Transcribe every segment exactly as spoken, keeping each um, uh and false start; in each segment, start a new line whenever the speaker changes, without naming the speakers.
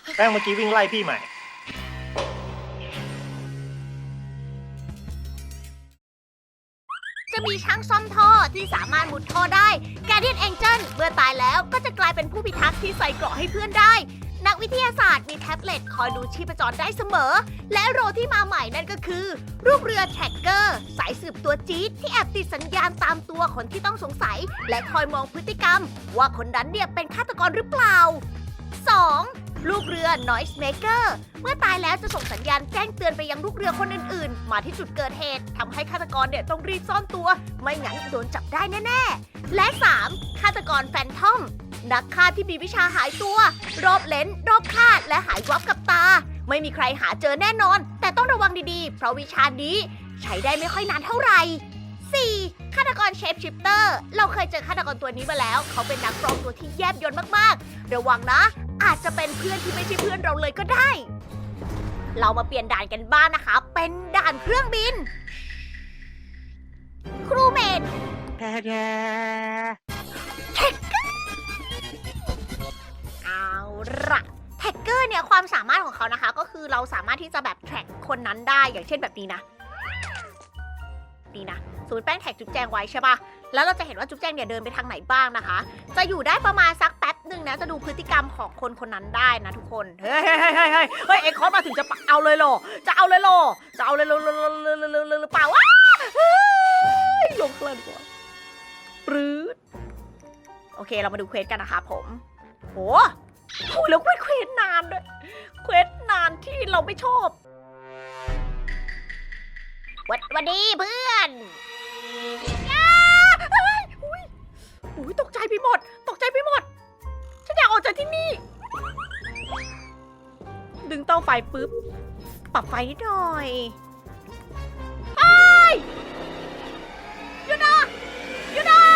แป้งเมื่อกี้วิ่งไล่พี่ใหม่
จะมีช้างซ่อมท่อที่สามารถมุดท่อได้ Guardian Angel เมื่อตายแล้วก็จะกลายเป็นผู้พิทักษ์ที่ใส่เกราะให้เพื่อนได้ นักวิทยาศาสตร์มีแท็บเล็ตคอยดูชีพจรได้เสมอ และโรที่มาใหม่นั่นก็คือ รูปเรือแทร็กเกอร์สายสืบตัวจี๊ดที่แอบติดสัญญาณตามตัวคนที่ต้องสงสัย และคอยมองพฤติกรรม ว่าคนนั้นเนี่ยเป็นฆาตกรหรือเปล่า สอง ลูกเรือ Noise Maker เมื่อตายแล้วจะส่งสัญญาณแจ้งเตือนไปยังลูกเรือคนอื่นๆ มาที่จุดเกิดเหตุทำให้ฆาตกรเนี่ยต้องรีบซ่อนตัว ไม่งั้นโดนจับได้แน่ๆ และ สาม ฆาตกรแฟนทอม นักฆ่าที่มีวิชาหายตัว รอบเลนส์รอบคาดและหายวับกับตา ไม่มีใครหาเจอแน่นอน แต่ต้องระวังดีๆ เพราะวิชานี้ใช้ได้ไม่ค่อยนานเท่าไหร่ สี่ ฆาตกรเชฟชิปเตอร์ เราเคยเจอฆาตกรตัวนี้มาแล้ว เขาเป็นนักปลอมตัวที่แยบยลมากๆ ระวังนะ อาจจะเป็นเพื่อนที่ไม่ใช่เพื่อนเราเลยก็ได้ เรามาเปลี่ยนด่านกันบ้างนะคะ เป็นด่านเครื่องบิน ครูเมด
แท้แท้
เอาละแท็กเกอร์เนี่ยความสามารถของเขานะคะ ก็คือเราสามารถที่จะแบบแท็กคนนั้นได้อย่างเช่นแบบนี้นะนี่นะสมมติแป้งแท็กจุ๊บแจงไว้ใช่ปะแล้วเราจะเห็นว่าจุ๊บแจงเนี่ยเดินไปทางไหนบ้างนะคะ จะอยู่ได้ประมาณสักแป๊บหนึ่งนะจะดูพฤติกรรมของคนคนนั้นได้นะทุกคนเฮ้ยเฮ้ยเฮ้ยเฮ้ยเฮ้ยเฮ้ยเอ็กคอร์มาถึงจะเอาเลยเหรอจะเอาเลยเหรอจะเอาเลยเหรอหรือเปล่าวะเฮ้ยลงเครื่องดีกว่าปรื๊ดโอเคเรามาดูเควสกันนะคะผมโหโอ้ยแล้วเควสเควสนานด้วยเควสนานที่เราไม่ชอบวัดวันดีเพื่อนอ้าเฮ้ยอุ้ยอุ้ยตกใจไปหมด ตกใจไปหมด ฉันอยากออกจากที่นี่ ดึงเตาไฟปุ๊บ ปรับไฟนิดหน่อยไอ้ยหยุดนะหยุดนะ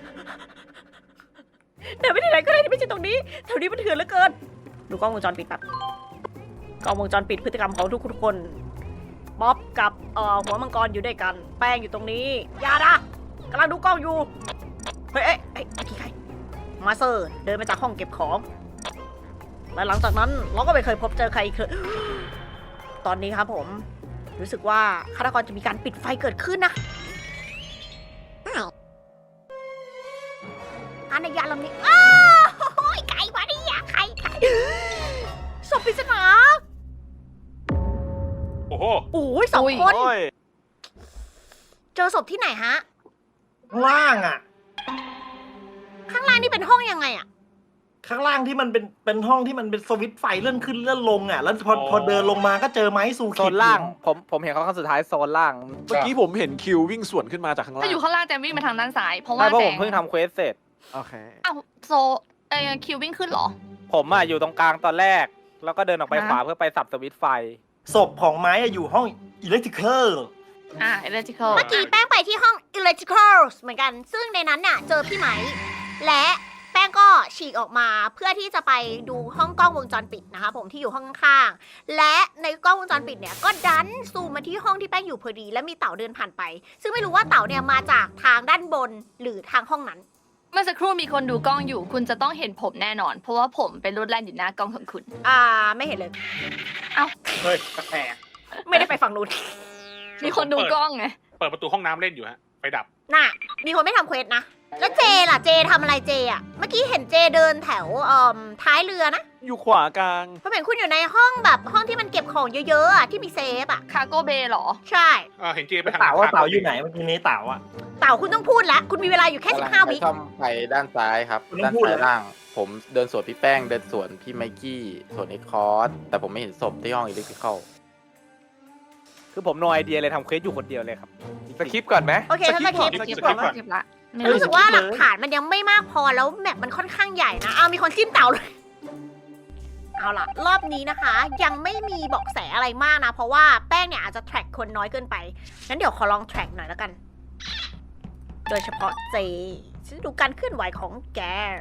เดินไปที่ไหนก็ได้ที่ไม่ใช่ตรงนี้ แถวนี้มันเถื่อนเหลือเกิน ดูกล้องวงจรปิดแบบกล้องวงจรปิดพฤติกรรมของทุกคนบ๊อบกับเอ่อหัวมังกรอยู่ด้วยกัน แป้งอยู่ตรงนี้อย่านะกำลังดูกล้องอยู่ เฮ้ยเอ้ยเอ้ยไอ้ขี้ใครมาเซอร์เดินมาจากห้องเก็บของ และหลังจากนั้นเราก็ไม่เคยพบเจอใครอีกเลยตอนนี้ครับผม รู้สึกว่าฆาตกรจะมีการปิดไฟเกิดขึ้นนะอันในยานลำนี้อ้าวโอ้ยไก่มาดิอะไก่ไก่ศพปริศนา
โอ้โห
โอ้ยสองคน
โอ้ย
เจอศพที่ไหนฮะ
ข้างล่างอ่ะ
ข้างล่างนี่เป็นห้องยังไงอะ
ข้างล่างที่มันเป็นเป็นห้องที่มันเป็นสวิตช์ไฟเลื่อนขึ้นเลื่อนลงอ่ะ แล้วพอ
อ๋อ
พอเดินลงมาก็เจอไม้สูขิด
โซนล่างผมผมเห็นเขาครั้งสุดท้ายโซนล่าง
เมื่อกี้ผมเห็นคิววิ่งสวนขึ้นมาจากข้างล่า
ถ้าง อยู่ข้างล่างแจมวิ่งมาทางด้านซ้าย เพราะ
ใช่
ว่า
เพราะ
แจ
ผม
ง
เพิ่งทำเควสเสร็จ
โอเค
อ้าวโซเออคิววิ่งขึ้นเหรอ
ผมอ่ะอยู่ตรงกลางตอนแรก แล้วก็เดินออกไป
ฮะ
ขวาเพื่อไปสับสวิตช์ไฟ
ศพของไม้อะอยู่ห้องอิเล็กทริคอล
อ่าเอเลจิคอล
เมื่อกี้แป้งไปที่ห้อง electrical เหมือนกัน ซึ่งในนั้นน่ะเจอพี่ไหม และแป้งก็ฉีกออกมาเพื่อที่จะไปดูห้องกล้องวงจรปิดนะคะผมที่อยู่ห้องข้างๆ และในกล้องวงจรปิดเนี่ยก็ดันซูมมาที่ห้องที่แป้งอยู่พอดี และมีเต่าเดินผ่านไป ซึ่งไม่รู้ว่าเต่าเนี่ยมาจากทางด้านบนหรือทางห้องนั้น
เมื่อสักครู่มีคนดูกล้องอยู่ คุณจะต้องเห็นผมแน่นอน เพราะว่าผมเป็นรถแล่นอยู่หน้ากล้องของคุณ
อ่าไม่เห็นเลย
เฮ้ยแปลก
ไม่ได้ไปฝั่งนู้น
มีคนดูกล้องไง
เปิดประตูห้องน้ำเล่นอยู่ฮะ ไฟดับ
น่ะ มีคนไม่ทำเควสนะ แล้วเจล่ะเจทำอะไรเจอ่ะ เมื่อกี้เห็นเจเดินแถวเอ่อท้ายเรือนะ
อยู่ขวากลาง
เพราะเห็นคุณอยู่ในห้องแบบห้องที่มันเก็บของเยอะๆอ่ะที่มีเซฟอ่ะ
คาโก้เบย์หรอ
ใช่
เออเห็นเจไป
แล้ว
ทาง
เต่าว่า
ข้ง
เต่าอยู่ไหนเมื่อกี้นี้เต่าอ่ะ
เต่าคุณต้องพูดแล้ว คุณมีเวลาอยู่แค่สิบห้าวิ
ช่องไปด้านซ้ายครับ
คุณต้อ
ด้าง น
พูด
ซ้าย
เลย
ล่าง ผมเดินสวนพี่แป้ง เดินสวนพี่ไมกี้สวนเอ็กคอร์สแต่ผมไม่เห็นศพที่ห้องอิเล็กทริคอล
คือผมโนไอเดียเลยทำเควสอยู่คนเดียวเลยครับ
สคริปก่อนไหม
โอเคถ้าสคริปต์
สกิป
เก็บ
ก่อน
ละเก็บละไม่
รู้สึกว่าหลักฐานมันยังไม่มากพอแล้วแมปมันค่อนข้างใหญ่นะ เอามีคนจิ้มเต่าเลย เอาล่ะ รอบนี้นะคะ ยังไม่มีเบาะแสอะไรมากนะ เพราะว่าแป้งเนี่ยอาจจะแทร็กคนน้อยเกินไป งั้นเดี๋ยวขอลองแทร็กหน่อยแล้วกัน โดยเฉพาะเจฉันดูการเคลื่อนไหวของแก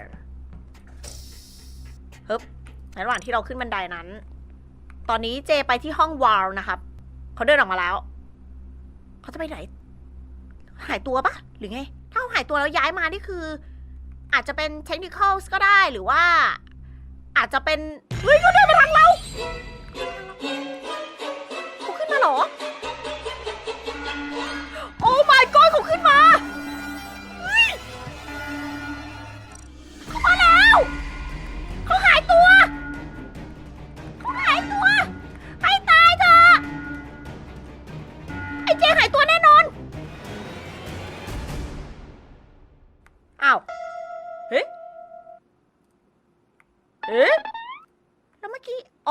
ฮึบในระหว่างที่เราขึ้นบันไดนั้น ตอนนี้เจไปที่ห้องวาลนะครับ เขาเดินออกมาแล้ว เขาจะไปไหน หายตัวปะหรือไง ถ้าเขาหายตัวแล้วย้ายมานี่คือ อาจจะเป็นเทคนิคอลก็ได้หรือว่า อาจจะเป็น เฮ้ยเขาเดินมาทางเรา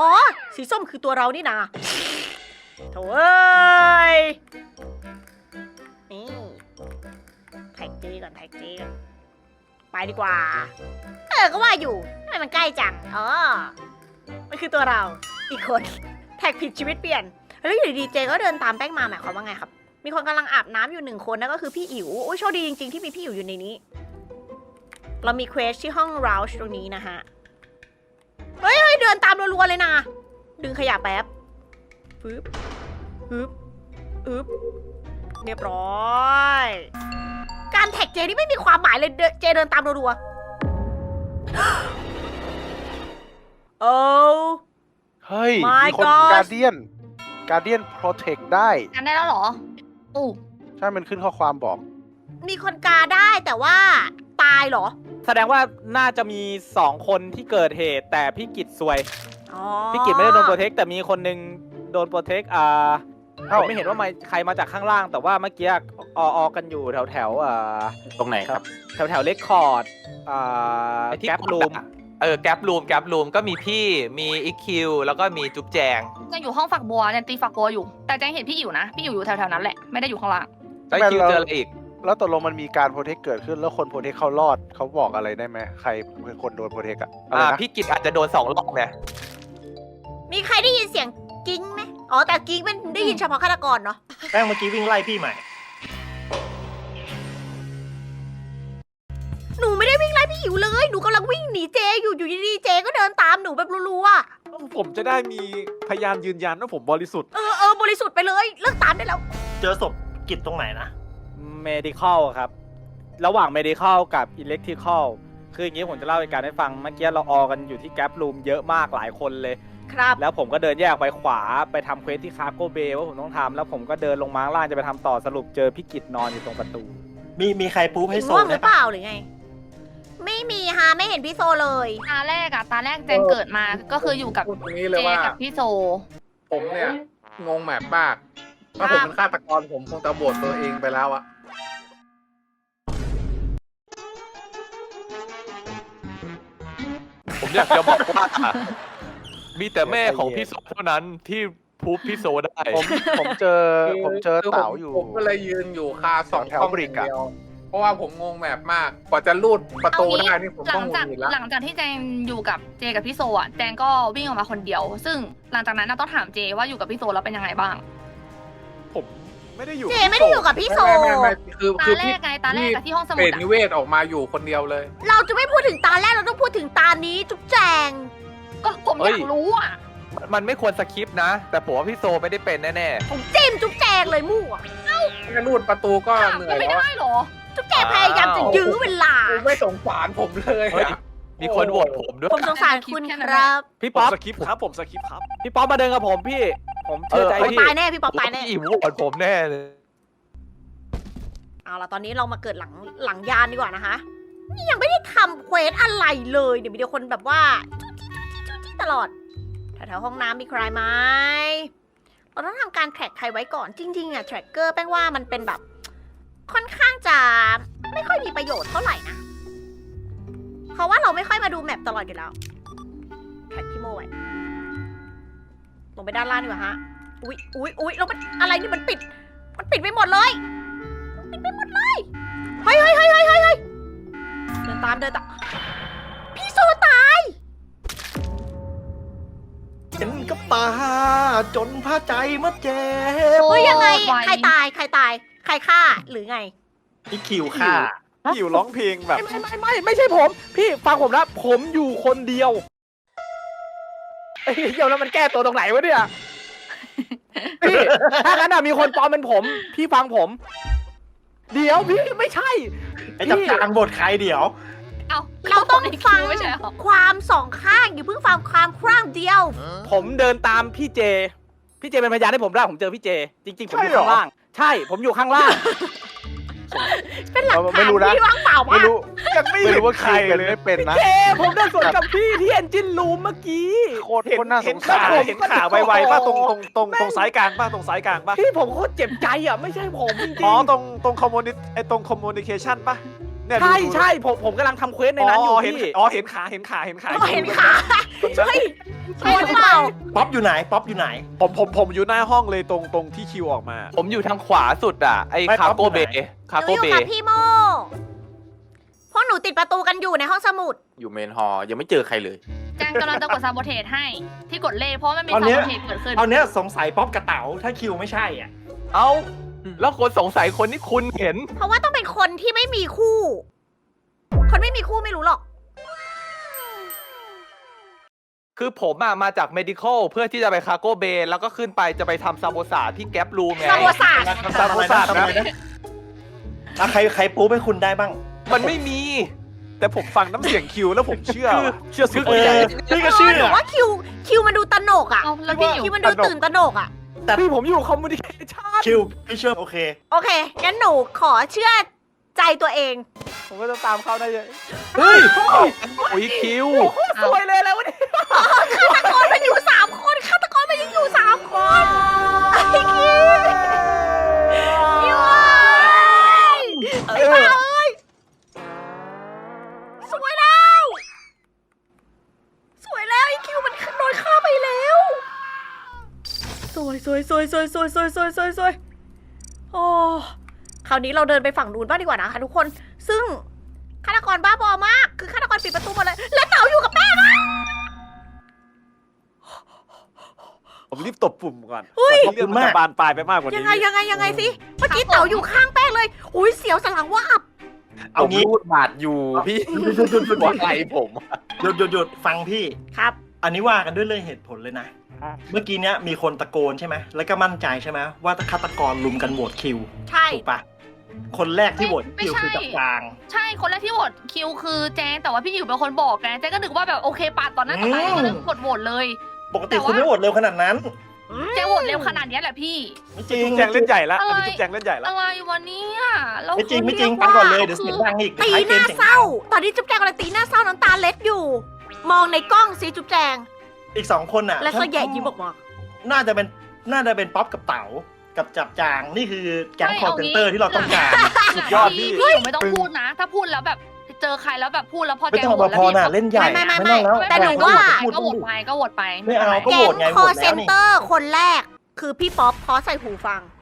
อ๋อ สีส้มคือตัวเรานี่นาโถ่เอ้ย นี่แท็กจีก่อนแท็กจีก่อนไปดีกว่า เออ ก็ว่าอยู่ทำไมมันใกล้จัง อ๋อ มันคือตัวเรา อีกคน แท็กผิดชีวิตเปลี่ยน แล้วอยู่ดีๆเจก็เดินตามแป้งมาหมายความว่าไงครับ มีคนกำลังอาบน้ำอยู่หนึ่งคนนั่นก็คือพี่อิ๋วโอ้ยโชคดีจริงๆที่มีพี่อิ๋วอยู่ในนี้ เรามีเควสที่ห้องราวช์ตรงนี้นะฮะ เฮ้ยเฮ้ยเดินตามรัวๆเลยนะ ดึงขยะแป๊บปึ๊บปึ๊บปึ๊บเรียบร้อย การแท็กเจนี่ไม่มีความหมายเลยเดเจเดินตามรัวๆ โอ้
เฮ้ย
My
มีคน
God
การเดียนการเดียนโปรเทคได้
กันได้แล้วเหรออู้
ใช่มันขึ้นข้อความบอก
มีคนกาได้แต่ว่าตายเหรอ
แสดงว่าน่าจะมีสองคนที่เกิดเหตุ แต่พี่กิจซวย
อ๋อ
พี่กิจไม่ได้โดนโปรเทคแต่มีคนหนึงโดนโปรเทคอ่าผ
เอ้า
มไม่เห็นว่ามาใครมาจากข้างล่าง แต่ว่าเมื่อกี้อออกันอยู่แถวแถวๆอ่า
ตรงไหนครับ
แถวแถวเลคคอร์ดอ่า
ไอ้ที่
แก๊ปรูม
เออแกปรูมแกปรูมก็มีพี่มีอีคิวแล้วก็มีจุ๊บแจง
ยังอยู่ห้องฝักบัวยังตีฝักบัวอยู่ แต่แจงเห็นพี่อิ๋วนะ พี่อิ๋วอยู่แถวๆนั้นแหละ ไม่ได้อยู่ข้างล่าง
แล้วคิวเจออะไรอีก
แล้วตกลงมันมีการโปรเทคเกิดขึ้นแล้วคนโปรเทคเขารอดเขาบอกอะไรได้ไหมใครเป็นคนโดนโปรเทคอะอะไร
อ่า
นะ
พี่กิจอาจจะโดนสองรอบไง
มีใครได้ยินเสียงกิ้งไหมอ๋อแต่กิ้งมันได้ยินเฉพาะฆาตกรเนาะ
แป้งเมื่อกี้วิ่งไล่พี่ใหม่
หนูไม่ได้วิ่งไล่พี่อิ๋วเลย หนูกำลังวิ่งหนีเจอยู่อยู่ดีๆเจก็เดินตามหนูแบบรัวๆอะ
ผมจะได้มีพยานยืนยันว่าผมบริสุทธิ์
เออเออบริสุทธิ์ไปเลยเลิกตามได้แล้ว
เจอศพกิจตรงไหนนะ
medical ครับ ระหว่าง medical กับ electrical คืออย่างนี้ผมจะเล่าเหตุการณ์ให้ฟัง เมื่อกี้เราออกันอยู่ที่แก๊ปรูมเยอะมากหลายคนเลย
ครับ
แล้วผมก็เดินแยกไปขวาไปทำเควสที่คาร์โกเบย์ว่าผมต้องทำแล้วผมก็เดินลงมาข้างล่างจะไปทำต่อสรุปเจอพี่กิจนอนอยู่ตรงประตู
มีมีใครปูให้โซ
ง่วงห
ได้
รือเป
ปะ
ล่าหรือไง ไม่มีฮะไม่เห็นพี่โซเลย
ตาแรกอะตาแรกแจงเกิดมาก็คืออยู่กับ
พูดตรงนี้เล
เจ
ยว่า
กับพี่โซ
ผมเนี่ย งงแมปมาก ถ้าผมเป็นฆาตกรผมคงจะโบดตัวเองไปแล้วอะ
ผมอยากจะบอกว่า มีแต่แม่ของพี่โซเท่านั้นที่พูบพี่โซได้
ผมผมเจอผมเจอ
คือ
เต๋าอยู่
ผมก็เลยยืนอยู่คาสอง
แถว
ช่อง
บริกอะ
เดียวเพราะว่าผมงงแมปมาก กว่าจะลูดประตูได้นี่ผม
หลั
ต้อง
ง
ง
จาก
งอีกแล้ว
หลังจากที่แจงอยู่กับเจกับพี่โซอะแจงก็วิ่งออกมาคนเดียว ซึ่งหลังจากนั้นเราต้องถามเจว่าอยู่กับพี่โซแล้วเป็นยังไงบ้าง
ผมไม่ได้อยู่
เจไม่ได้อยู่กับพี่โซ
ไม่ไม่ไม่คือ
ตา
คือ
แร
พี่
กไงตาแรกอะที่ห้องสมุ
เปร
ด
ต
อะ
นิเวศออกมาอยู่คนเดียวเลย
เราจะไม่พูดถึงตาแรกเราต้องพูดถึงตานี้จุ๊บแจง
ก็ผมอยากรู้อะ
มันไม่ควรสคิปนะ แต่ผมว่าพี่โซไม่ได้เป็นแน่
ผมจิ้มจุ๊บแจงเลยมั่ว
แค่ลูดประตูก็
ถาม
เหนื่
ก็
อย
ไม่
แล้ว
ได้เหรอ
จุ๊บแจงพยายามจะยื้อเวลา
กูไม่สงสารผมเลย
ๆเฮ้ย
อะ
มีคนโหวตผมด้วย
ผมสงสารคุณครับ
พี่
ผม
ป๊อป
สคิปครับผมสคิปครับ
พี่ป๊อปมาเดินกับผมพี่ ผมเชื่อใจ
โอ๊ย
พี่
ตายแน่พี่ป๊อปตายแน่
พี่อิ๋วโหวตผมแน่เลย
เอาล่ะตอนนี้เรามาเกิดหลังหลังยานดีกว่านะคะ นี่ยังไม่ได้ทำเควสอะไรเลยเดี๋ยวมีเดียวคนแบบว่าจุ๊จี้จุ๊จี้จุ๊จี้ตลอดแถวๆห้องน้ำมีใครไหมเราต้องทำการแทร็กใครไว้ก่อนจริงๆอะแทร็กเกอร์แป้งว่ามันเป็นแบบ ค่อนข้างจะไม่ค่อยมีประโยชน์เท่าไหร่นะเพราะว่าเราไม่ค่อยมาดูแมปตลอดอยู่แล้วแทร็กพี่โมไว้ลงไปด้านล่างดีกว่าฮะอุ๊ยอุ๊ยอุ๊ยแล้วมันอะไรนี่มันปิด มันปิดไปหมดเลย ปิดไปหมดเลย เฮ้ยเฮ้ยเฮ้ยเฮ้ยเฮ้ยเฮ้ยเดินตามเดินตาม พี่โซตาย
เห็นกับตาจนพาใจมาเจ็บ
เฮ้ยยังไง
ไว
ใครตาย ใครตาย ใครฆ่า หรือไง
พี่คิวค่ะ
พี่อยู่ร้องเพลงแบบ
ไม่ไม่ไม่ไม่ใช่ผม พี่ฟังผมนะผมอยู่คนเดียวเอ้ยเดี๋ยวแล้วมันแก้ตัวตรงไหนวะเนี่ยพี่ถ้างั้นอะมีคนปลอมเป็นผม พี่ฟังผม เดี๋ยวพี่ไม่ใช่
ไอ้จับจางบทใครเดี๋ยว
เอา
เราต้อง
ในคิว
ฟัง
ไม่ใช่เหรอ
ความสองข้างอย่าเพิ่งฟังความข้างเดียว
ผมเดินตามพี่เจ พี่เจเป็นพยานให้ผมได้ผมเจอพี่เจ จริง ๆ ผมอยู่
ใช่เหรอ
ข้างล่าง ใช่ผมอยู่ข้างล่าง
เป็นหลัก
เออ
ฐา
ไม่
น
รู้นะ
ที่ว่างเปล่า
ไม่
มาก
รู้
ยังไม่
ไม่
เห็น
รู้ว่า
ใค
ใค
ร
รเป็น
เลย
ไม่เป็นนะ
เจผมเดินสวนกับพี่ที่เอนจินรูมเมื่อกี้
โคตรโคตรน่าส
เห็น
ง
ขา
สาร
เห็นขาไวๆป่ะตรงตรงตรงตรงสายกลางป่ะตรงสายกลางป่ะ
พี่ผมโคตรเจ็บใจอ่ะไม่ใช่ผมจริง
อ๋อตรงตรงคอมมูนิไอตรงคอมมูนิเคชันป่ะเนี่ย
ๆใช่
ดูดู
ใช่ผมผมกำลังทำเควสในนั้นอยู่
เห็น
พี่
อ๋อเห็นขาเห็นขาเห็นขา
อ๋อเห็นขา เฮ้ยใช่หรือเปล่า
ป๊อปอยู่ไหนป๊อปอยู่ไหน
ผมผมผมอยู่หน้าห้องเลยตรงตรงที่คิวออกมา
ผมอยู่ทางขวาสุดอ่ะ ไอ้
ไม่
คา
ป๊อป
โก
อยู่
เบ
ไหน
คา
ห
โก
นูอยู่
เบ
กับพี่โมพวกหนูติดประตูกันอยู่ในห้องสมุด
อยู่เมนฮอลล์ยังไม่เจอใครเลย
แจงกำลังจะกดซาโบเทสให้ที่กดเลขเพราะมันมี
ตอน
ซา
เนี้
โบ
ย
เทสเกิดขึ้น
เอาเนี้ยสงสัยป๊อปกับเต๋าถ้าคิวไม่ใช่อ่ะ
เอ้า แล้วคนสงสัยคนที่คุณเห็น
เพราะว่าต้องเป็นคนที่ไม่มีคู่ คนไม่มีคู่ไม่รู้หรอก
คือผมอะมาจาก medical เพื่อที่จะไปคาโกเบแล้วก็ขึ้นไปจะไปทำซาโบซาที่แก๊ปรูมไง
ซาโบซา
ซาโบซาทำอะไรนะอ่ะใครใครปูให้คุณได้บ้าง
มันไม่มี
แต่ผมฟังน้ำเสียงคิวแล้วผมเชื่อว่ะเชื่อสุด
เอ
ใจ
อพี่ก็เชื่
หนู
อ
ว่าคิวคิวมันดูตนกอ่ะ
เอาแล้วพี่อยู่
คิวมันดูตื่นตนกอ่ะ
พี่ผมอยู่คอมมูนิเคชั่น
คิวพี่เชื่อโอเค
โอเค งั้นหนูขอเชื่อใจตัวเอง
ผมก็จะตามเขาได้เลย
เฮ้ย โอ้ยคิว
สวยเลยแล้ววันนี้
ฆาตกรมันอยู่สามคนฆาตกรมันยังอยู่สามคนไอ้คิวคิวเอ้ยไอ้บ้าเอ้ยสวยแล้ว สวยแล้วไอ้คิวมันโดนฆ่าไปแล้ว สวยสวยสวยสวยสวยสวยสวยสวยสวยโอ้คราวนี้เราเดินไปฝั่งนู้นบ้างดีกว่านะคะทุกคน ซึ่งฆาตกรบ้าบอมาก คือฆาตกรปิดประตูหมดเลย และเต๋าอยู่กับแป้งอะ
ผมรีบตบปุ่มก่อน
เฮ้ย
ก่อนที่เรื่องมันจะบานปลายไปมากกว่า
ยั
นี้
งไงยังไงยังไงสิ เมื่อกี้เต๋าอยู่ข้างแป้งเลยอุ้ยเสียวสนหลังว่าบ
ผ
เอา
ม
งี้
รูดบาดอยู่พี่
หยุดหยุดหยุดหยุด
หัวไหล่ผมอะ
หยุดหยุดหยุดฟังพี่
ครับ
อันนี้ว่ากันด้วยเรื่องเหตุผลเลยนะ เมื่อกี้เนี้ยมีคนตะโกนใช่ไหม แล้วก็มั่นใจใช่ไหมว่าฆาตกรลุมกันโหวตคิว
ใช่
ถูกปะคนแรกที่โหวต
ไม่
คิว
ใช่
คือจับจาง
ใช่คนแรกที่โหวตคิวคือแจงแต่ว่าพี่อยู่เป็นคนบอกไงแจงก็นึกว่าแบบโอเคปาดตอนนั้นตอนนั้นก็เลยกดโหวตเลย
ปกติคุณไม่โหวตเร็วขนาดนั้น
แจงโหวตเร็วขนาดเนี้ยแหละพี่
ไม่จริง
จุ๊บแจงเล่นใหญ่ละ
อะไร
อันนี้จุ๊บแจงเล่นใหญ่ละ
อะไรวันนี้แล้ว
ไม่จริงไม่จริง
ขา
ปันก่อนเลย
รี
เดี๋ยว
ว่า
เสียงดังอีก
ตี
ท้าย
ห
เกม
น้า
เสียง
เศร้า ตอนนี้จุ๊บแจงกำลังตีหน้าเศร้าน้ำตาเล็ดอยู่ มองในกล้องซิจุ๊บแจง
อีกสองคนอ่ะ
แล้วก็แย่ยิ้มออกมา
น่าจะเป็นน่าจะเป็นป๊อปกับเต๋ากับจับจางนี่คือแก๊ง
ไม่
คอร์
เอา
เซน
งี้
เตอร์ที่เราต้องการ
สุดยอดพี่
พี่อยู่ไม่ต้องพูดนะ ถ้าพูดแล้วแบบเจอใครแล้วแบบพูดแล้วพอ
ไม่
แจง
ต้อง
โหว
มา
ตแล้ว
พอ
พี่
น่ะเล่นใหญ่
ไม่ไม่
ไม่
ไม่
ต้องแล้ว
แต่หนูว่า
พูด
ก็โหวตไปก็โหวตไป
ไม่เอาก็
แก
โหว
ง
ตไง
ค
โห
อ
วต
เซ
แล้ว
น
นี่
เตอร์คนแรก คือพี่ป๊อปเพราะใส่หูฟัง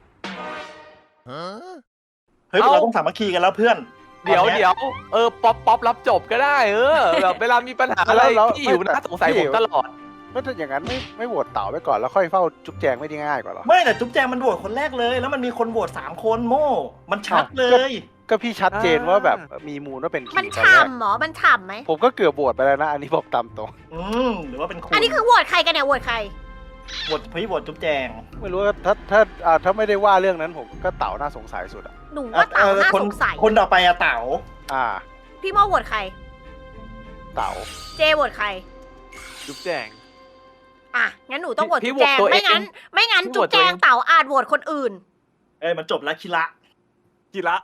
เฮ้ยเราต้องสามัคคีกันแล้วเพื่อน
เดี๋ยว
ตอนนี้
เดี๋ยวเออป๊อปป๊อปรับจบก็ได้ เออแบบเวลามีปัญหาอะไร
แล้ว
พี่อยู่
แล้ว
น่าสงสัยผมตลอด
ก็ถ้าอย่างนั้นไม่ไม่โหวตเต่าไปก่อนแล้วค่อยเฝ้าจุ๊บแจงไม่ได้ง่ายกว่าเหรอ
ไม่แต่จุ๊บแจงมันโหวตคนแรกเลย แล้วมันมีคนโหวตสามคนโม่ มันชัดเลย
ก็พี่ชัดเจนว่าแบบมีมูลว่าเป็นคิว
มัน
ตอนแรก
ฉ่ำเหรอ มันฉ่ำไหม
ผมก็เกือบโหวตไปแล้วนะ อันนี้บอกตามตรง
อืมหรือว่าเป็นคุณ
อันนี้คือโหวตใครกันเนี่ยโหวตใคร
โหวตพี่โหวตจุ๊บแจง
ไม่รู้ว่าถ้าถ้าอ่าถ้าไม่ได้ว่าเรื่องนั้นผมก็เต่าน่าสงสัยสุดอ่ะ
หนูว่าเต๋าน่า
คน
สงสัย
คนต่อไปอะเต๋า
อ่า
พี่โมโหวตใคร
เต่า
เจโหวตใคร
จุ๊บแจง
อ่ะ งั้นหนูต้องโหวต
พี่
จุ๊บแจง
โหวตตัวเอง
ไม่งั้น ไม่งั้น
พี่โห
จุ๊
ว
บ
ต
แจ
ตัวเอง
งเต๋าอาจโหวตคนอื่น
เอ้ยมันจบแล้วคิระ
จิระ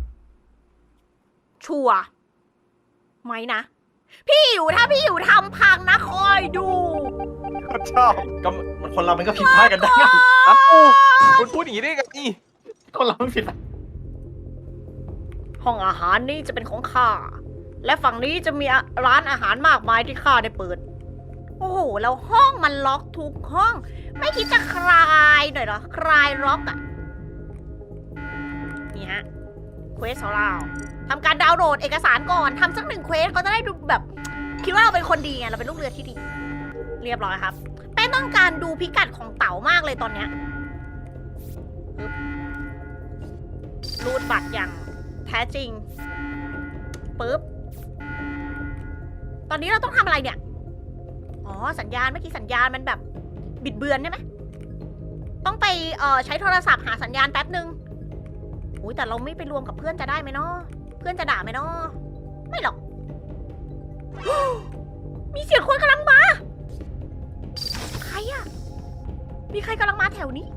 ชัวร์ไหมนะ พี่อยู่ถ้าพี่อยู่ทำพังนะคอยดู
ชอบ
ก็มันคนเรามันก็ผิดพลาดกันได้
เอ้าคุณพูดอย่างนี้ได้ไง
คนเราไม่ผิด
ห้องอาหารนี้จะเป็นของข้า และฝั่งนี้จะมีร้านอาหารมากมายที่ข้าได้เปิด โอ้โห แล้วห้องมันล็อกทุกห้อง ไม่คิดจะคลายหน่อยเหรอ คลายล็อกอะนี่ฮะ เควสของเราทำการดาวน์โหลดเอกสารก่อน ทำสักหนึ่งเควสก็จะได้ดูแบบ คิดว่าเราเป็นคนดีไง เราเป็นลูกเรือที่ดี เรียบร้อยครับ แป้งต้องการดูพิกัดของเต๋ามากเลยตอนเนี้ยปึ๊บรูดบัตรอย่างแท้จริง ปึ๊บ ตอนนี้เราต้องทำอะไรเนี่ย อ๋อ สัญญาณเมื่อกี้สัญญาณมันแบบบิดเบือนใช่ไหม ต้องไปเอ่อใช้โทรศัพท์หาสัญญาณแป๊บหนึ่งอุ้ยแต่เราไม่ไปรวมกับเพื่อนจะได้ไหมเนาะ เพื่อนจะด่าไหมเนาะ ไม่หรอก มีเสียงคนกำลังมา ใครอะมีใครกำลังมาแถวนี้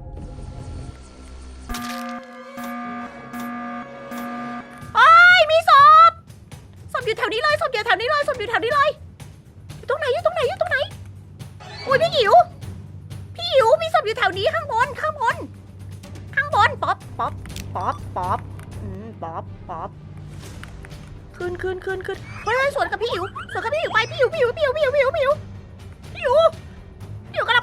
โอ้ยมีศพศพอยู่แถวนี้เลยศพอยู่แถวนี้เลยศพอยู่แถวนี้เลยอยู่ตรงไหนอยู่ตรงไหนอยู่ตรงไหนโอ้ยพี่หิวพี่หิวมีศพอยู่แถวนี้ข้างบนข้างบนข้างบนป๊อปป๊อปป๊อปป๊อปอืมป๊อปป๊อปขึ้นขึ้นขึ้นขึ้นเฮ้ยสวนกับพี่หิวสวนกับพี่หิวไปพี่หิวพี่หิวพี่หิวพี่หิวพี่หิวพี่หิวพี่หิวกำลัง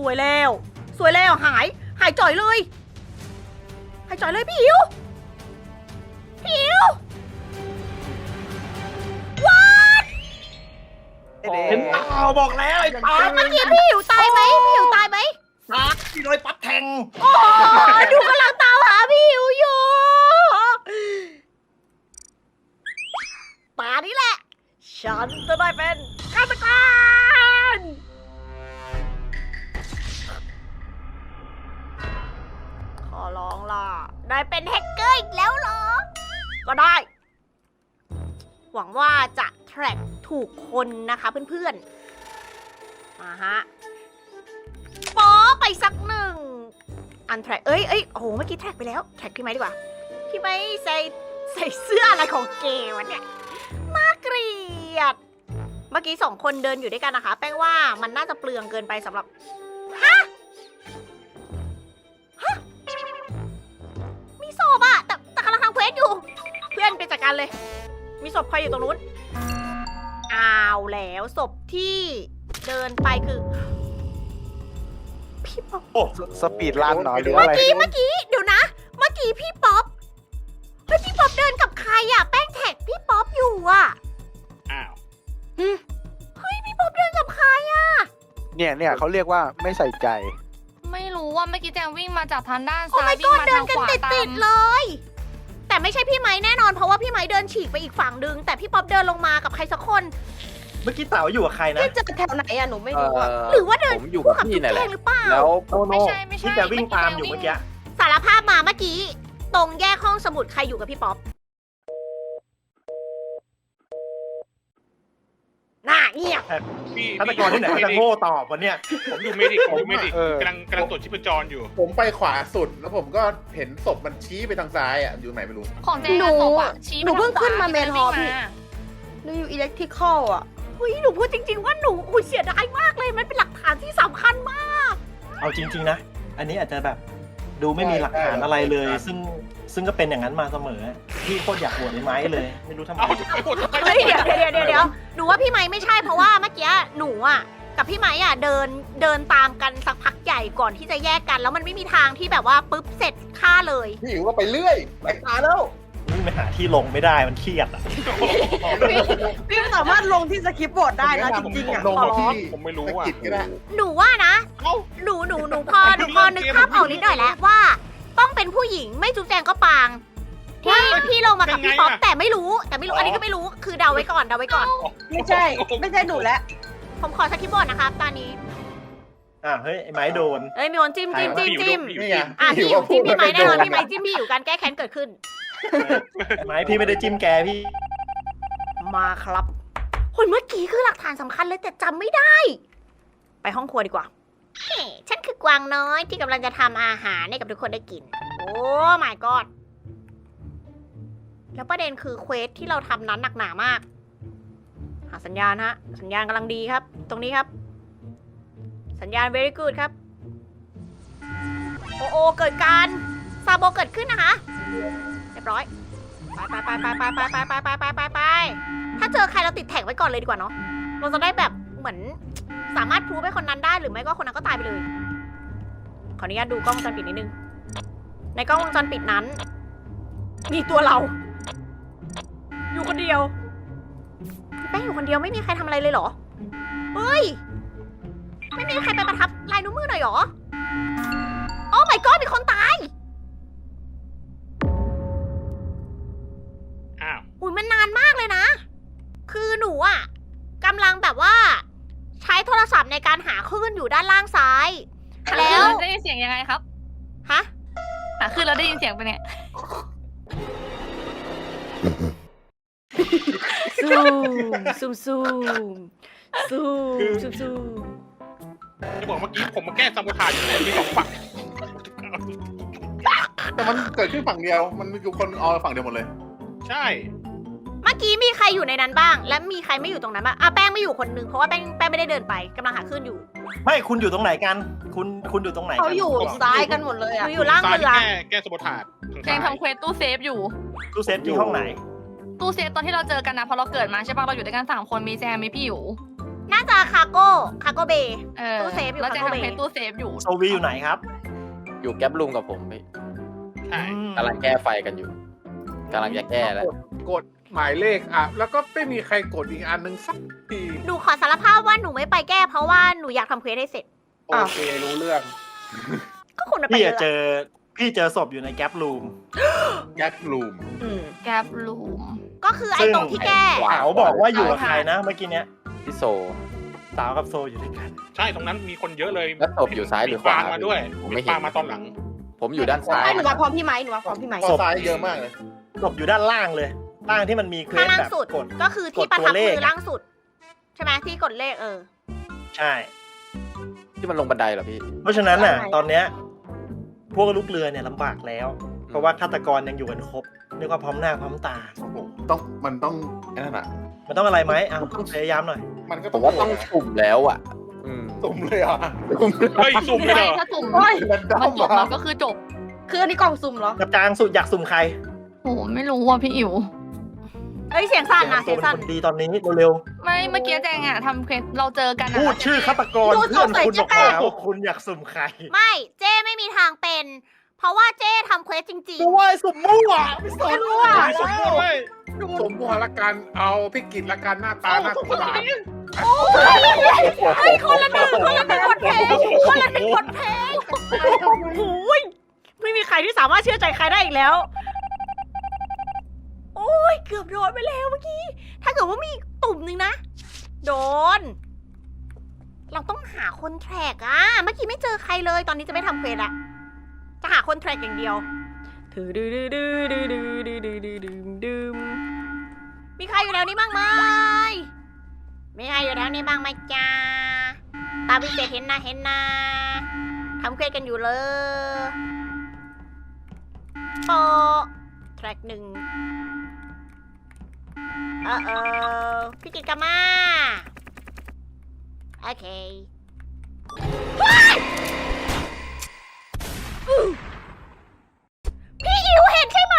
วยแล้ว สวยแล้วหาย หายจ่อยเลย หายจ่อยเลยพี่อิ๋วพี่อิ๋วว้า
เห็นเปล่าบอกแล้วไอ้ป๊อป
เมื่อกี้พี่อิ๋วตายไหมพี่อิ๋วตายไหม
ป๊อปที่โดนป๊อปแทง
โอ้ดูกำลังตามหาพี่อิ๋วอยู่ป่านี้แหละ ฉันจะได้เป็นฆาตกรขอร้องล่ะ ได้เป็นแฮกเกอร์อีกแล้วเหรอ ก็ได้ หวังว่าจะแทร็กถูกคนนะคะเพื่อนๆ มาฮะป๊อไปสักหนึ่ง อันแทร็กเอ้ยเอ้ยโอ้โห เมื่อกี้แทร็กไปแล้ว แทร็กพี่ไม้ดีกว่า พี่ไม้ใส่ใส่เสื้ออะไรของเกวะเนี่ย น่าเกลียด เมื่อกี้สองคนเดินอยู่ด้วยกันนะคะ แป้งว่ามันน่าจะเปลืองเกินไปสำหรับ ฮะ ฮะ มีศพอะแต่แต่กำลังทำเควสอยู่ เพื่อนไปจัดการเลย มีศพใครอยู่ตรงนู้น อ้าวแล้วศพที่เดินไปคือ พี่ป๊อป
โอ้
สปีดรันเหรอหรือ
เมื่
อะ
อ
ไร
กี้เมื่อกี้เดี๋ยวนะ เมื่อกี้พี่ป๊อปเฮ้ยพี่ป๊อปเดินกับใครอะแป้งแท็กพี่ป๊อปอยู่อะ
อ้าว
เฮ้ยพี่ป๊อปเดินกับใครอะ
เนี่ยเนี่ยเขาเรียกว่าไม่ใส่ใจ
ไม่รู้ว่าเมื่อกี้แจงวิ่งมาจากทางด้าน
โอ้
ซ้าย
my
วิ่ง
god
มา
เดิ
ทาน ง
กัน
ขวา
ติด
ตา
ติด
ม
ๆเลย แต่ไม่ใช่พี่ไม้แน่นอนเพราะว่าพี่ไม้เดินฉีกไปอีกฝั่งดึง แต่พี่ป๊อปเดินลงมากับใครสักคน
เมื่อกี้เต๋าอยู่กับใครนะ
เจอแถวไหนอะหนูไม่
เอ่
รู้อะ
อ
หรือว่าเดิน
ผมอยู่
คู่
กับ
กับ
พี่
จุ๊บ
นั่น
แจ
แหละ
งหรือเปล่า
แล้ว
โนโน
ไม่ใช่ไม่ใช่
ที่แกวิ่งตามอยู่เมื่อกี้
สารภาพมาเมื่อกี้ ตรงแยกห้องสมุดใครอยู่กับพี่ป๊อปน่าเงียบ
พี่
ฆาตกรที่ไหนเขาจะโง่ตอบวันเนี้ย
ผมอยู่เมดิกผมอยู่เมดิก
เออ
กำลังกำลังตรวจชีพจรอยู่
ผมไปขวาสุด แล้วผมก็เห็นศพมันชี้ไปทางซ้ายอ่ะ อยู่ไหนไม่รู้
ของแจง
หนู
อะศพอะชี้
หนูเพิ่ง
ไปทา
ขึ้นมา
ขว
เมนฮอลล์
วิ่ง
พี่
มา
หนูอยู่อิเล็กทริคอลอ่ะเฮ้ยหนูพูดจริง ๆ ว่าหนูอุ้ยเสียดายมากเลย มันเป็นหลักฐานที่สำคัญมาก
เอาจริง ๆ นะ อันนี้อาจจะแบบดูไม่มีหลักฐานอะไรเลย ซึ่งซึ่งก็เป็นอย่างนั้นมาเสมอ พี่โคตรอยากโหวตไอ้ไม้เลย ไม่รู้ทำไม
เอาจะไปหมดทำไม
เฮ้ยเดี๋ยวเดี๋ยวเดี๋ยวเดี๋ยวหนูว่าพี่ไม้ไม่ใช่เพราะว่าเมื่อกี้หนูอ่ะกับพี่ไม้อ่ะเดินเดินตามกันสักพักใหญ่ก่อนที่จะแยกกัน แล้วมันไม่มีทางที่แบบว่าปุ๊บเสร็จฆ่าเลย
พี่อิ๋วก็ไปเรื่อยไปตาแล้ว
วิ่งไปหาที่ลงไม่ได้มันเครียดอ่ะ
พี่สามารถลงที่สคริปต์บอร์ดได้นะจริงๆอ่ะ
ลงมาที่
ผมไม่รู้
สะ
อ่ะ
กิดก็ได้
หนูว่านะ
เอ้า
หนูหนูหนูพอหนูพอนึกภาพออกนิดหน่อยแล้วว่าต้องเป็นผู้หญิงไม่จุ๊บแจงก็ปางที่ที่ลงมากับพี่ป๊อปแต่ไม่รู้แต่ไม่รู้อันนี้ก็ไม่รู้คือเดาไว้ก่อนเดาไว้ก่อน
ไม่ใช่ ไม่ใช่หนูแล้ว
ผมขอสคริปต์บอร์ดนะครับตอนนี้
อ่ะเฮ้ยไอ้ไม้โดน
เอ้ยมีคนจิ้มจิ้มจิ้มจิ้ม
นี่ไง
อ่ะพี่
พี่
อยู่จิ้มพี่ไม้แน่นอน
ว่า
พี่ไม้จิ้มพี่อยู่การแก้แค้นเกิดขึ้น
ไม้พี่ไม่ได้จิ้มแกพี่
มาครับโหยเมื่อกี้คือหลักฐานสำคัญเลยแต่จำไม่ได้ ไปห้องครัวดีกว่าเฮ้ฉันคือกวางน้อยที่กำลังจะทำอาหารให้กับทุกคนได้กิน โอ้ my god แล้วประเด็นคือเควสที่เราทำนั้นหนักหนามาก หาสัญญาณฮะ สัญญาณกำลังดีครับ ตรงนี้ครับ สัญญาณ very good ครับ โอโอเกิดการซาโบเกิดขึ้นนะคะ เรียบร้อย ไปไปไปไปไปไปไปไปไปไปไปถ้าเจอใครเราติดแท็กไว้ก่อนเลยดีกว่าเนาะ เราจะได้แบบเหมือนสามารถพรูฟให้คนนั้นได้หรือไม่ก็คนนั้นก็ตายไปเลย ขออนุญาตดูกล้องวงจรปิดนิดนึง ในกล้องวงจรปิดนั้น มีตัวเรา อยู่คนเดียวพี่แป้งอยู่คนเดียวไม่มีใครทำอะไรเลยเหรอ เฮ้ย ไม่มีใครไปประทับลายนิ้วมือหน่อยเหรอ โอ้ my god มีคนตาย
อ้าว
อุ้ยมันนานมากเลยนะ คือหนูอ่ะกำลังแบบว่า ใช้โทรศัพท์ในการหาคลื่นอยู่ด้านล่างซ้าย แล้ว
ได้ยินเสียงยังไงครับ
ฮะ
อ่ะคือเราได้ยินเสียงไปเนี่ย
ซูมซูมซูมซูมซูมซูม
จะบอกเมื่อกี้ผมมาแก้ซาโบทาจอยู่มีสองฝั่ง
แต่มันเกิดขึ้นฝั่งเดียว มันมีคนเอาฝั่งเดียวหมดเลย
ใช่
เมื่อกี้มีใครอยู่ในนั้นบ้าง และมีใครไม่อยู่ตรงนั้นบ้างอ่ะแป้งไม่อยู่คนนึงเพราะว่าแป้งแป้งไม่ได้เดินไปกำลังหาคลื่นอยู่
ไม่คุณอยู่ตรงไหนกัน คุณคุณอยู่ตรงไหนกั
เขาอยู่ซ้ายกันหมดเลย
ห
อ่ะ
นูอยู่ล่าง
ซ้าย
เรือ
แก้แก้ซาโบทาจทาง
แจง
ซ้าย
ทำเควสตู้เซฟอยู่
ตู้เซฟที่ห้องไหน
ตู้เซฟตอนที่เราเจอกันนะพอเราเกิดมาใช่ปะเราอยู่ด้วยกันสามคนมีแจงมีพี่อยู่
ในน่าจะคาโก้คาโก้เบย์
เออ
ตู้เซฟอยู่
แล้วแจง
ข้างนอก
ทำเพจตู้เซฟอยู่
โซวีอยู่ไหนครับ
อยู่แก๊ปลุงกับผมพี่
ใช่
อืม
กำลังแก้ไฟกันอยู่กำลังจะแก้แล้ว
กดกดหมายเลขอ่ะ แล้วก็ไม่มีใครกดอีกอันหนึ่งสักที
หนูขอสารภาพว่าหนูไม่ไปแก้เพราะว่าหนูอยากทำเควสให้เสร็จ
โอเครู้เรื่อง
ก็คุณน่ะไป
พี่
เย
อะ
อะ
เจอพี่เจอศพอยู่ในแก๊ปรูม
แก๊ปลูม
อืม
แกปลูม
ก็คือไอ้ตรงที่แก้
ขวา
เขาบอกว่าอยู่กับใครนะเมื่อกี้เนี้ย
พี่โซ
สาวกับโซอยู่ด้วยกัน
ใช่ตรงนั้นมีคนเยอะเลย
แล้วศพอยู่ซ้ายหรือขวา
ปางมาด้วย
ผมไม่เห็น
ปางมาตอนหลัง
ผมอยู่ด้านซ้าย
ให้หนูมาพร้อมพี่ไม้หนูมาพร้อมพี่ไม้
ศพ
ซ้ายเยอะมากเลย
ศพอยู่ด้านล่างเลยล่างที่มันมีเคว
ข้าง
ส
ล่าง
แบบ
สุด
กด
ก็คือที่
กด
ประ
ตัว
ทับ
เลข
มือล่างสุด ใช่ไหมที่กดเลขเออ
ใช่
ที่มันลงบันไดเหรอพี่
เพราะฉะนั้นน่ะ
ใช่
ตอนเนี้ยพวกลูกเรือเนี่ยลำบากแล้ว เพราะว่าฆาตกรยังอยู่กันครบเรียกว่าพร้อมหน้าพร้อมตา
โอ้โหต้องมันต้องไอ้นั่นอ่ะ
มันต้องอะไรไหมอ่ะพยายามหน่อย
มันก็
ผมว่าต้องสุ่มแล้วอ่ะ อืม
สุ่มเลยอ่ะ
เฮ้ยสุ่มเลยเหรอ
ถ้าสุ่ม
โอ้ยมันด
มันจบ
มา
มันก็คือจบ
คืออันนี้กล่องซุ่มเหรอ
กับจางสุดอยากสุ่มใคร
โหไม่รู้อ่ะพี่อิ๋ว
เอ้ยเสียงสั่นนะ
ตั
เสี
วย
ง
เป็น
สั่น
คนดีตอนนี้เร็ว
ไม่เมื่อกี้แจงอ่ะทำเควสเราเจอกัน
ๆ
อะ
พูดชื่อฆาตกร
ดู
เพื่อน
สงสัย
คุณ
จะ
บอกแล้วคุณอยากสุ่มใคร
ไม่เจ้ไม่มีทางเป็น เพราะว่าเจ้ทำเควสจริง
กูว่าไอ้สุ่มมั่วไม่สน
มั่ว
มีสุ่มด้วย
สมบูรณ์ละกันเอาพี่กิจละกันหน้าตาหน้าสงสาร
ๆ โอ้ยเฮ้ยคนละหนึ่งคนละหนึ่งบทเพลงคนละหนึ่งบทเพลงโอ้ยไม่มีใครที่สามารถเชื่อใจใครได้อีกแล้ว โอ้ยเกือบโดนไปแล้วเมื่อกี้ ถ้าเกิดว่ามีตุ่มหนึ่งนะ โดน เราต้องหาคนแทร็กอะเมื่อกี้ไม่เจอใครเลย ตอนนี้จะไม่ทำเควสละจะหาคนแทร็กอย่างเดียวถือดื้อดื้อดื้อดื้อดื้อดื้อดื้อดื้อดื้อดื้อมีใครอยู่แถวนี้บ้างไหมมีใครอยู่แถวนี้บ้างไหมจ้าตาพิเศษเห็นนะเห็นนะทำเควสกันอยู่เลยโปะแทร็กหนึ่งเออเออพี่กิตกามาโอเคพี่อิ๋วเห็นใช่ไหม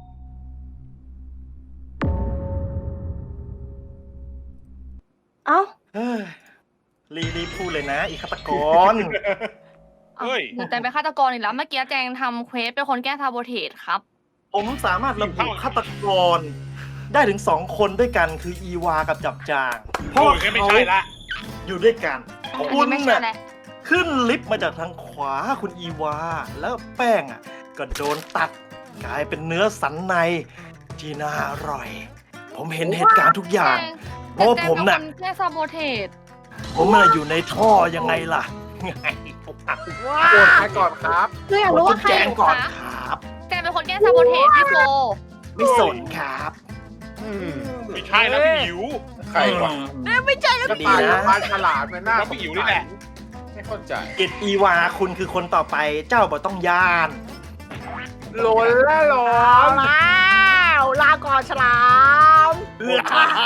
เอ้า
เฮ้ยรีรีบพูดเลยนะ อีฆาตกร
เฮ้ย
หนูแจงเป็นฆาตกรอีกแล้วเมื่อกี้แจงทำเควสเป็นคนแก้ซาโบเทสครับ
ผมสามารถระบุฆาตกร ได้ถึงสองคนด้วยกันคืออีวากับจับจางเพ
โอ้
ราะ
ยงั้นไม่
เขา
ใช่ละ
อยู่ด้วยกัน
อัน
คุ
นี้
ณ
ไม่ใช่
น่ะ
แหละ
ขึ้นลิฟต์มาจากทางขวาคุณอีวา แล้วแป้งอ่ะก็โดนตัดกลายเป็นเนื้อสันในที่น่าอร่อย ผมเห็นเหตุการณ์ทุกอย่าง เพราะว่าผมน่ะ
แจงเป็นคนแก้ซาโบเทส
ผมน่ะอยู่ในท่อยังไงล่ะ ไง
ว้า
โกรธใครก่อนครับ
คืออยากรู้ว่าใคร
แจ้งก่อนครับ
แจงเป็นคนแก้ซาโบเทสพี่โซ
ไม่สนครับ
อืม
ไม่ใช่แล้วพี่อิ๋ว
ใครวะ
เนี่ยไม่ใช่แล้ว
จะ
ดี
ตาย
นะ
กับปลาฉลาดเป็นหน้า
แล้วพี่อิ๋วนี่แหละ
ไม่เข้าใจ
กิตอีวาคุณคือคนต่อไปเจ้าบ่ต้องย่าน
โหลนละหลอ
เอา
น
แล้วลาก่อนฉลามเฮือ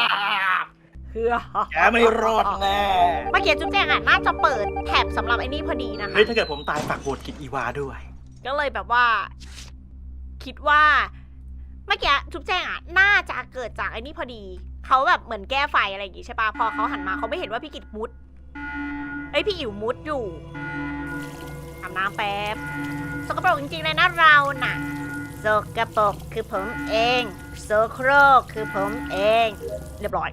แกไม่รอดแน่
เมื่อกี้จุ๊บแจงอ่ะน่าจะเปิดแท็บสำหรับไอ้นี่พอดีนะคะ
เฮ้ยถ้าเกิดผมตายฝากโหวตกิตอีวาด้วย
ก็เลยแบบว่า คิดว่าเมื่อกี้จุ๊บแจงอ่ะน่าจะเกิดจากไอ้นี่พอดีเขาแบบเหมือนแก้ไฟอะไรอย่างงี้ใช่ปะพอเขาหันมาเขาไม่เห็นว่าพี่กิตมุดไอยพี่อิ๋วมุดอยู่อาบน้ำแป๊บสกปรกจริงๆเลยนะเราน่ะสกปรกคือผมเองโซโครกคือผมเอง เรียบร้อย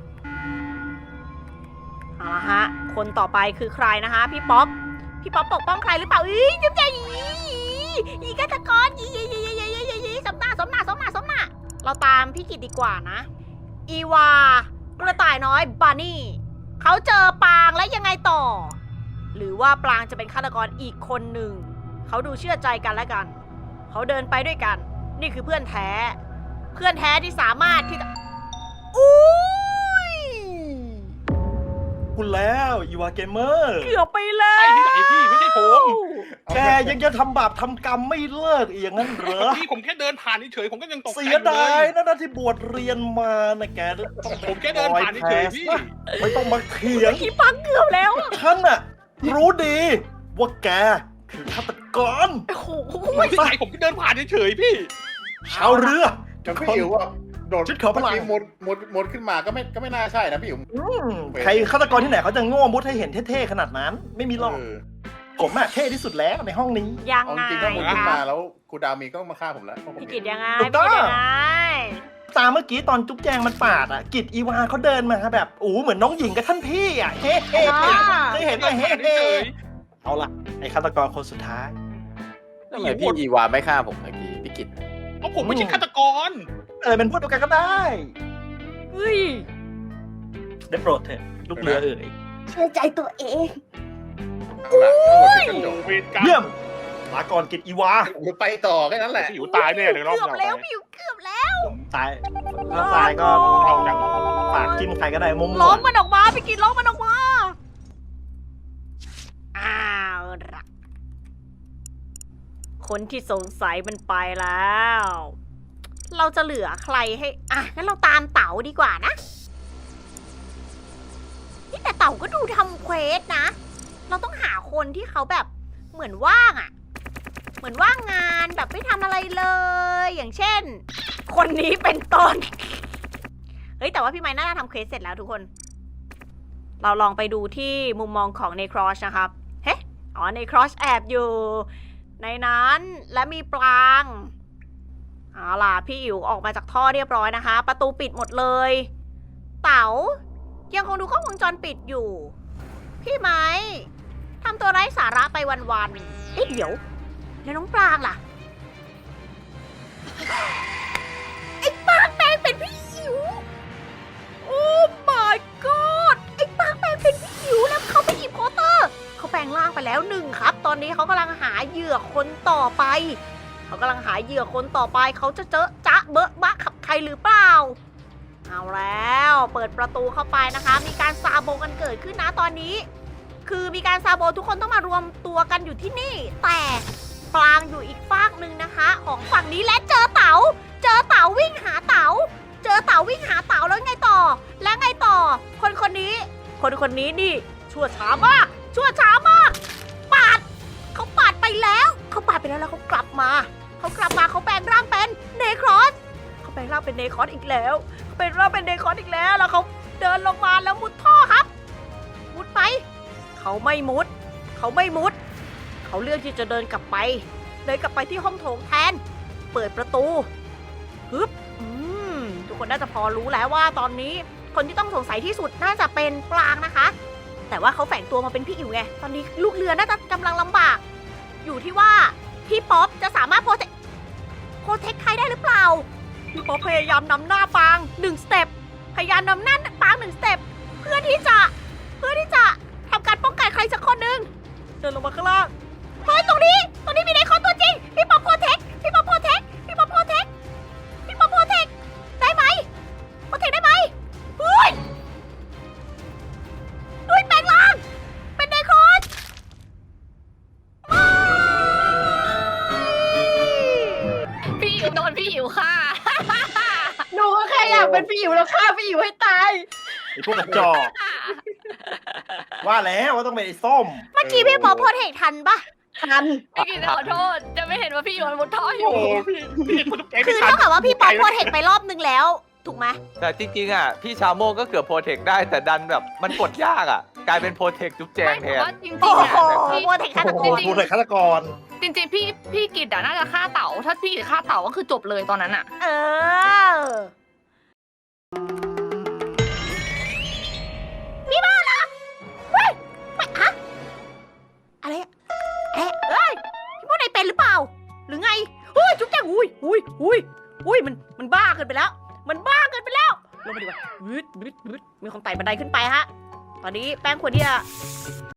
เอาละฮะคนต่อไปคือใครนะคะพี่ป๊อปพี่ป๊อปปกป้องใครหรือเปล่าอีจุ๊บแจงอีอีฆาตกรอีอีอีอีอีอีสมหน้าสมหน้าสมหน้าสมหน้าเราตามพี่กิตดีกว่านะ อีวากระต่ายน้อยบานี่เขาเจอปางแล้วยังไงต่อ หรือว่าปางจะเป็นฆาตกรอีกคนหนึ่งเขาดูเชื่อใจกันและกัน เขาเดินไปด้วยกัน นี่คือเพื่อนแท้ เพื่อนแท้ที่สามารถที่จะอุ้ย
คุณแล้วอีวาเกมเมอร์
เกือบไปแล้
ใช่
ว
ที่ไหนพี่ไม่ใช่ผม
แกยังจะทำบาปทำกรรมไม่เลิกอีกอย่างนั้นเหรอ
พี่ผมแค่เดินผ่านเฉยๆผมก็ยังตกใจ
เสียดายนะนะที่บวชเรียนมานะแกต้อง
ผมแค่เดินผ่านเฉยๆพี่
ไม่ต้องมาเถียง
อีปังเกือบแล้วอะ
ฉันน่ะรู้ดี ว่าแกคือฆาตกร
โอ้โห
ไม่ใช่ผมแค่เดินผ่านเฉยๆพี่
ชาวเรือ
จะพี่อิ๋วอ่ะโดด
ชุดเขาพลัง
เมื่อกี้มุดมุดมุดขึ้นมาก็ไม่ก็ไม่น่าใช่นะพี่อุ๋ม
อืมใครฆาตกรที่ไหนเขาจะโง่มุดให้เห็นเท่ๆขนาดนั้น ไม่มีหรอก
เออ
ผมอะเท่ที่สุดแล้วในห้องนี้
ยัง
เอา
ไง
จริงๆถ้ามุดขึ้น
ค
มา
รับ
แล้วครูดาวมีก็ต้องมาฆ่าผมแล้วเพราะผม
พี่
เห็
กิต
น
ยังไง
ถู
พี่
กต้
กิ
อง
ตยังไง
ตามเมื่อกี้ตอนจุ๊บแจงมันปาดอะกิจอีวาเขาเดินมาแบบอู้เหมือนน้องหญิงกับท่านพี่อะเฮ้เฮ้เฮ้เคยเห็นไหมเฮ้เฮ้เอาล่ะไอ้ฆาตกรคนสุดท้าย
ทำไมพี่อีวาไม่ฆ่าผมเมื่อกี้พี่กิต
เพราะผมไม่ใช่ฆาตกร
เออเป็นพวกเดียวกันก็ได้
เฮ้ย
ได้โปรดเถอะลูกเรือเอ๋ย
เชื่อใจตัวเอง
ข้างหลังทั้งหมดเป็นกระจก
เวรกรรม
เยี่ยมลาก่อนกิจอีวา
ผมไปต่อแค่นั้นแหละ
พี่อยู่ตายแน่เลยรอบ
เกือบ
เรา
แล้ว
ไป
พี่อยู่เกือบแล้ว
ตายถ้าตายก็
เราจัง
ฝากจิ้มใครก็ได้มุม
ล้อมมันออกมาพี่กิตล้อมมันออกมาอ้าวละคนที่สงสัยมันไปแล้ว เราจะเหลือใครให้อ่ะงั้นเราตามเต๋าดีกว่านะนี่แต่เต๋าก็ดูทำเควสนะ เราต้องหาคนที่เขาแบบเหมือนว่างอะ่ะ เหมือนว่างงานแบบไม่ทำอะไรเลย อย่างเช่น คนนี้เป็นต้น เฮ้ยแต่ว่าพี่ไม้น่าจะทำเควสเสร็จแล้วทุกคน เราลองไปดูที่มุมมองของเนครอชนะครับ เฮ้อ๋อเนครอชแอบอยู่ ในนั้นและมีปรางเอาล่ะพี่อิ๋วออกมาจากท่อเรียบร้อยนะคะ ประตูปิดหมดเลย เต๋ายังคงดูกล้องวงจรปิดอยู่ พี่ไม้ทำตัวไร้สาระไปวันๆเอ๊ะเดี๋ยวแล้วน้องปรางล่ะ ไอ้ปรางแปลงเป็นพี่อิ๋วโอ้ my god ไอ้ปรางแปลงเป็นพี่อิ๋วแล้วเขาไปหยิบโคเตอร์เขาแปลงร่างไปแล้วหนึ่งครับ ตอนนี้เขากำลังหาเหยื่อคนต่อไป เขากำลังหาเหยื่อคนต่อไปเขาจะเจอจ๊ะเบอะบะขับใครหรือเปล่า เอาแล้วเปิดประตูเข้าไปนะคะ มีการซาโบกันเกิดขึ้นนะตอนนี้ คือมีการซาโบทุกคนต้องมารวมตัวกันอยู่ที่นี่ แต่ปรางอยู่อีกฟากหนึ่งนะคะ ของฝั่งนี้และเจอเต๋าเจอเต๋าวิ่งหาเต๋าเจอเต๋าวิ่งหาเต๋าแล้วไงต่อ และไงต่อ คนคนนี้ คนคนนี้นี่ชั่วช้ามากชั่วช้ามากปาดเขาปาดไปแล้วเขาปาดไปแล้วแล้วเขากลับมาเขากลับมาเขาแปลงร่างเป็นเนครอสเขาแปลงร่างเป็นเนครอสอีกแล้วเขาแปลงร่างเป็นเนครอสอีกแล้วแล้วเขาเดินลงมาแล้วมุดท่อครับ มุดไปเขาไม่มุด เขาไม่มุด เขาเลือกที่จะเดินกลับไปเดินกลับไปที่ห้องโถงแทนเปิดประตูฮึบอืมทุกคนน่าจะพอรู้แล้วว่าตอนนี้คนที่ต้องสงสัยที่สุดน่าจะเป็นปรางนะคะ แต่ว่าเขาแฝงตัวมาเป็นพี่อิ๋วไงตอนนี้ลูกเรือน่าจะกำลังลำบาก อยู่ที่ว่าพี่ป๊อปจะสามารถโปรเทคโปรเทคใครได้หรือเปล่าพี่ป๊อปพยายามนำหน้าปางหนึ่งสเต็ปพยายามนำหน้าปางหนึ่งสเต็ปเพื่อที่จะเพื่อที่จะทำการป้องกันใครสักคนหนึ่งเดินลงมาข้างล่างเฮ้ยตรงนี้ตรงนี้มีในคอนตัวจริงพี่ป๊อปโปรเทคพี่ป๊อปโปรเทคพี่ป๊อปโปรเทคพี่ป๊อปโปรเทคได้ไหมโปรเทคได้ไหมเฮ้ยเฮ้ยแปลงร่างเป็นไดคอน
พี่อิ๋วโดนพี่อิ๋วฆ่า
หนูก็แค่อยากเป็นพี่อิ๋วแล้วฆ่าพี่อิ๋วให้ตาย
ไอ้พวกกระจอกว่าแล้วว่าต้องเป็นไอ้ส้ม
เมื่อกี้พี่ป๊อปโปรเทคทันปะ
ทัน
พี่กินขอโทษ จะไม่เห็นว่าพี่อิ๋วมันมุดท่ออยู่
โอ้พี่พี่คุณแก
คือเท่ากับว่าพี่ป๊อปโปรเทคไปรอบนึงแล้ว ถูกไหม
แต่จริงๆอ่ะพี่ชาโมก็เกือบโปรเทคได้แต่ดันแบบมันกดยากอ่ะ กลายเป็นโปรเทคจุ๊บแจง
ไม่
แท
แต่
น
ว่าจริง
โอ้
ๆอะ
โหโปรเทคฆาตก
โอ้
ร
โหพูดเลยฆาตกร
จริงๆพี่พี่กิดอะน่าจะฆ่าเต๋าถ้าพี่กิดฆ่าเต๋าก็คือจบเลยตอนนั้นอะ
เออพี่บ้าเหรอเฮ้ยไม่อะอะไรอะเอ๊ะเอ้ยพี่พวกนายเป็นหรือเปล่า หรือไงเฮ้ยจุ๊บแจ๊งอุ้ยอุ้ยอุ้ยอุ้ยมันมันบ้าเกินไปแล้ว มันบ้าเกินไปแล้วลงมาดีกว่าบึ๊ดบึ๊ดบึ๊ดมีคนไต่บันไดขึ้นไปฮะ ตอนนี้แป้งควรที่จะ